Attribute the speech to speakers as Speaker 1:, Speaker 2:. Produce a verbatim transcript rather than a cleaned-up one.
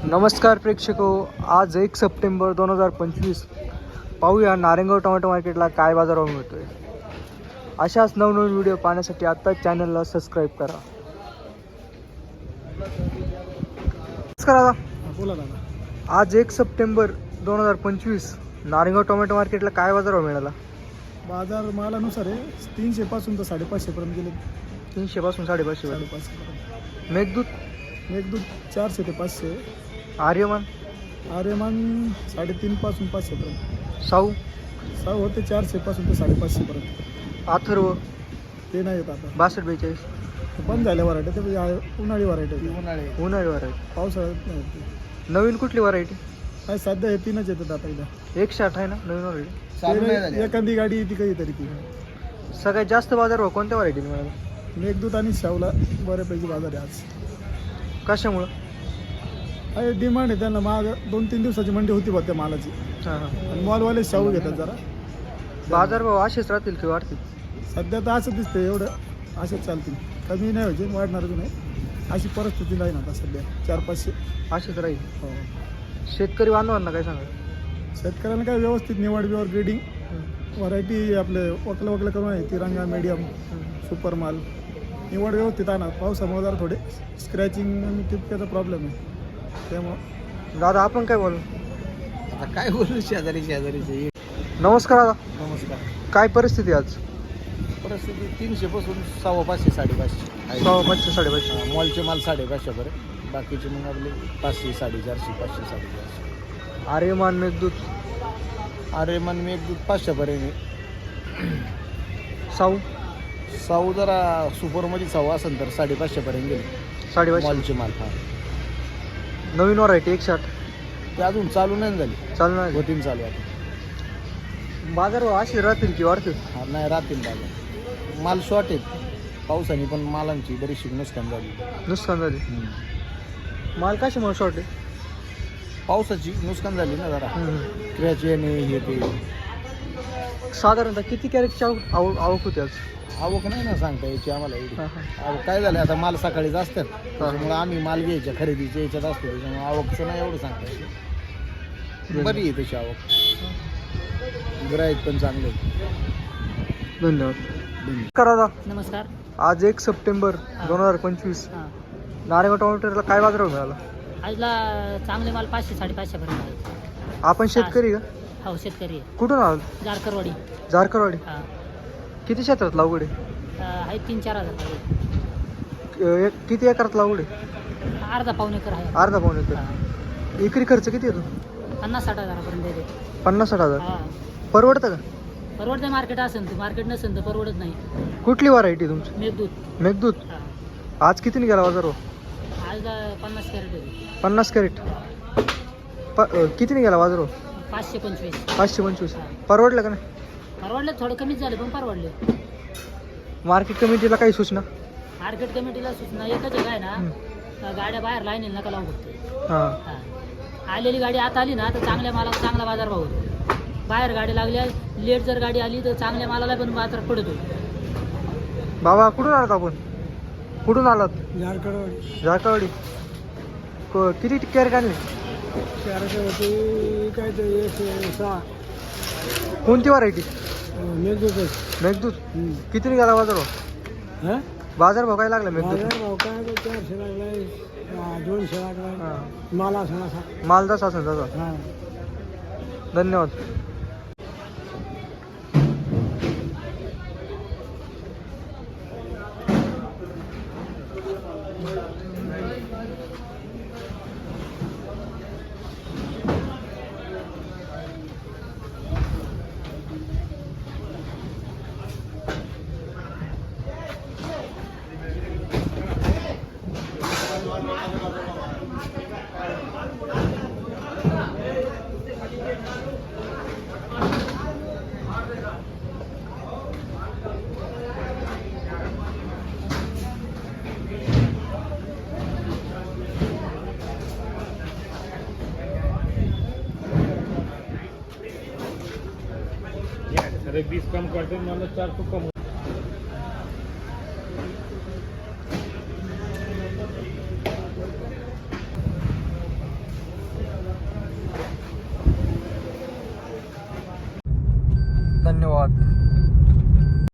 Speaker 1: नमस्कार प्रेक्षको, आज एक सप्टेंबर दोन हजार पंचवीस पाहूया नारायणगाव टोमॅटो मार्केटला काय बाजारभाव मिळतोय. अशाच नवनवीन व्हिडिओ पाहण्यासाठी आत्ताच चॅनलला सबस्क्राईब करा. नमस्कार दादा.
Speaker 2: बोला दादा.
Speaker 1: आज एक सप्टेंबर दोन हजार पंचवीस नारायणगाव टोमॅटो मार्केटला काय बाजारभाव मिळाला?
Speaker 2: बाजार मालानुसार आहे तीनशे पासून तर साडेपाचशे पर्यंत गेले.
Speaker 1: तीनशे पासून साडेपाचशे पर्यंत.
Speaker 2: साडेपाचशे पर्यंत.
Speaker 1: मेघदूत
Speaker 2: मेघदूत चारशे ते पाचशे.
Speaker 1: आर्यमान
Speaker 2: आर्यमान साडेतीन पासून पाचशे पर्यंत.
Speaker 1: साऊ
Speaker 2: साऊ होते चारशे पासून ते साडेपाचशे पर्यंत.
Speaker 1: अथर्व
Speaker 2: ते नाही येत आता,
Speaker 1: बासष्ट बेचाळीस.
Speaker 2: बंद झाल्या व्हरायटी. ते म्हणजे उन्हाळी व्हरायटी. उन्हाळी
Speaker 1: उन्हाळी व्हरायटी.
Speaker 2: पावसाळ्यात नाही होती.
Speaker 1: नवीन कुठली व्हरायटी?
Speaker 2: काय सध्या हे तीनच येतात आता इथं.
Speaker 1: एकशे आठ आहे ना नवीन व्हरायटी.
Speaker 2: एखादी गाडी येते कधीतरी ती.
Speaker 1: सगळ्यात जास्त बाजारभाव कोणत्या व्हरायटीला मिळाला?
Speaker 2: मेघदूत आणि शावला बऱ्यापैकी बाजार आहे आज.
Speaker 1: कशामुळं?
Speaker 2: अरे डिमांड आहे त्यांना. माग दोन तीन दिवसाची मंडी होती बघ त्या मालाची.
Speaker 1: हां हां.
Speaker 2: आणि मॉलवाले शाहू घेतात जरा.
Speaker 1: बाजारभाव असेच राहतील की वाढतील?
Speaker 2: सध्या तर असं दिसतंय, एवढं असेच चालतील. कमी नाही व्हायचे, वाढणार बी नाही. अशी परिस्थिती नाही ना आता सध्या. चार पाचशे
Speaker 1: असेच राहील.
Speaker 2: हो.
Speaker 1: शेतकरी बांधवांना काय सांगा?
Speaker 2: शेतकऱ्यांना काय व्यवस्थित निवड बिवड ग्रेडिंग व्हरायटी आपले वकलं वकलं करून आहे. तिरंगा मीडियम सुपर माल निवड व्यवस्थित आणा. पावसामुळे जरा थोडे स्क्रॅचिंग आणि टिपक्याचा प्रॉब्लेम आहे त्यामुळं.
Speaker 1: दादा आपण काय बोलू?
Speaker 2: आता काय बोलू, शेजारी शेजारीचे.
Speaker 1: नमस्कार दादा.
Speaker 2: नमस्कार.
Speaker 1: काय परिस्थिती आज?
Speaker 2: परिस्थिती तीनशे पासून सव्वा पाचशे साडेपाचशे.
Speaker 1: सव्वा पाचशे साडेपाचशे.
Speaker 2: मॉलचे माल साडेपाचशेपर्यंत. बाकीचे मग आपले पाचशे साडेचारशे पाचशे साडेचारशे.
Speaker 1: आर्यमान मेघदूत
Speaker 2: आर्यमान मी एक दूध पाचशेपर्यंत.
Speaker 1: साऊ
Speaker 2: साऊ जरा सुपरमध्ये साऊ असेल तर साडेपाचशेपर्यंत गेले.
Speaker 1: साडेपाचशे.
Speaker 2: मॉलचे माल. हा
Speaker 1: नवीन व्हरायटी एकशे आठ
Speaker 2: ते अजून चालू नाही झाली.
Speaker 1: चालू नाही.
Speaker 2: होतीन चालू आता.
Speaker 1: बाजारभाव असे राहतील की वाढतील?
Speaker 2: हा नाही राहतील बाजार. माल शॉर्ट आहेत. पावसाने पण मालांची बरीचशी नुकसान झाली.
Speaker 1: नुकसान झाली. माल कशामुळे शॉर्ट आहे?
Speaker 2: पावसाची नुकसान झाली ना जरा. क्रॅच येणे हे ते.
Speaker 1: साधारणतः किती कॅरेटची आवक आवक आवक होती आज?
Speaker 2: आवक नाही ना सांगता यायची आम्हाला एवढी.
Speaker 1: हां हां.
Speaker 2: आवक काय झालं आता, माल सकाळीच असतात त्याच्यामुळे आम्ही माल घ्यायच्या खरेदीच्या याच्यात असतो. त्याच्यामुळे आवकचं नाही एवढं सांगता यायचं. बरी आहे तशी आवक. गिराईक पण चांगले.
Speaker 1: धन्यवाद. करा दादा.
Speaker 3: नमस्कार.
Speaker 1: आज एक सप्टेंबर दोन हजार पंचवीस
Speaker 3: हां,
Speaker 1: नारायणगाव टोमॅटोला काय बाजारभाव मिळाला?
Speaker 3: आजला चांगले माल पाचशे साडेपाचशे पर्यंत आहे.
Speaker 1: आपण शेतकरी का?
Speaker 3: हो शेतकरी आहे.
Speaker 1: कुठून आहात?
Speaker 3: जारकरवाडी.
Speaker 1: जारकरवाडी.
Speaker 3: हां,
Speaker 1: किती क्षेत्रात लागवड आहे?
Speaker 3: आहे तीन चार हजार पाहिजे.
Speaker 1: अ, एक- किती एकरात लागवड आहे?
Speaker 3: अर्धा पाऊण एकर आहे.
Speaker 1: अर्धा पाऊण एकर.
Speaker 3: हां,
Speaker 1: एकरी खर्च किती येतो?
Speaker 3: पन्नास साठ हजारापर्यंत येते.
Speaker 1: पन्नास साठ हजार.
Speaker 3: हां,
Speaker 1: परवडतं का?
Speaker 3: परवडते. मार्केट असेल तर, मार्केट नसेल तर परवडत नाही.
Speaker 1: कुठली व्हरायटी तुमची?
Speaker 3: मेघदूत.
Speaker 1: मेघदूत.
Speaker 3: हां,
Speaker 1: आज कितीने गेला बाजारभाव?
Speaker 3: आजला पन्नास कॅरेट होते.
Speaker 1: पन्नास कॅरेट. प अ, कितीने गेला बाजारभाव?
Speaker 3: पाचशे पंचवीस.
Speaker 1: पाचशे पंचवीस.
Speaker 3: हां.
Speaker 1: परवडलं का नाही?
Speaker 3: परवडले, थोडं कमीच झाले पण परवडले.
Speaker 1: मार्केट कमिटीला काही सूचना?
Speaker 3: मार्केट कमिटीला सूचना एकच आहे काय ना, गाड्या बाहेर लाईन नका लावू फक्त.
Speaker 1: हां.
Speaker 3: हां, आलेली गाडी आता आली ना तर चांगल्या मालाला चांगला बाजारभाव होतो. बाहेर गाडी लागल्या, लेट जर गाडी आली तर चांगल्या मालाला पण बाजार पडतो.
Speaker 1: बाबा कुठून आलात आपण? कुठून आलात?
Speaker 2: जारकरवाडी.
Speaker 1: जारकरवाडी. क- किती कॅरेट आणले?
Speaker 2: चारशे होते काय ते एक सहा.
Speaker 1: कोणती व्हरायटी?
Speaker 2: मेघदूत.
Speaker 1: मेघदूत. कितीने गेला बाजारभाव?
Speaker 2: हां,
Speaker 1: बाजारभाव काय लागला मेघदूत?
Speaker 2: बाजार भाव काय ते चारशे लागलाय, दोनशे लागलाय.
Speaker 1: हां.
Speaker 2: माल असं असा.
Speaker 1: माल जसा असेल तसा.
Speaker 2: हां.
Speaker 1: धन्यवाद.
Speaker 4: अरे बीस कम करते मतलब चार सौ कम।
Speaker 1: धन्यवाद.